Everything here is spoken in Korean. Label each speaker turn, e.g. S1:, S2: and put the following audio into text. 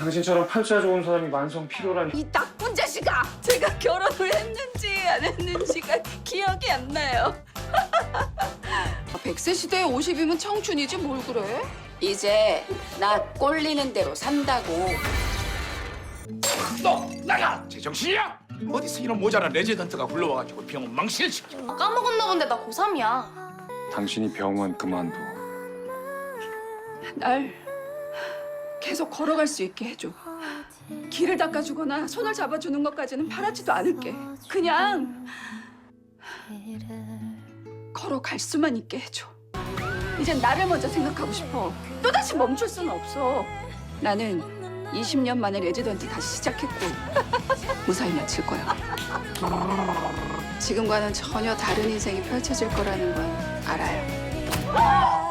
S1: 당신처럼 팔자 좋은 사람이 만성 필요라니.
S2: 이 나쁜 자식아! 제가 결혼을 했는지 안 했는지가 기억이 안 나요. 100세 시대에 50이면 청춘이지 뭘 그래? 이제 나 꼴리는 대로 산다고.
S3: 너 나가! 제정신이야? 어디서 이런 모자란 레지던트가 굴러와가지고 병원 망신시켜.
S4: 까먹었나 본데 나 고3이야.
S1: 당신이 병원 그만둬.
S2: 날 계속 걸어갈 수 있게 해줘. 길을 닦아주거나 손을 잡아주는 것까지는 바라지도 않을게. 그냥 걸어갈 수만 있게 해줘. 이젠 나를 먼저 생각하고 싶어. 또다시 멈출 수는 없어. 나는 20년 만에 레지던트 다시 시작했고 무사히 마칠 거야. 지금과는 전혀 다른 인생이 펼쳐질 거라는 건 알아요.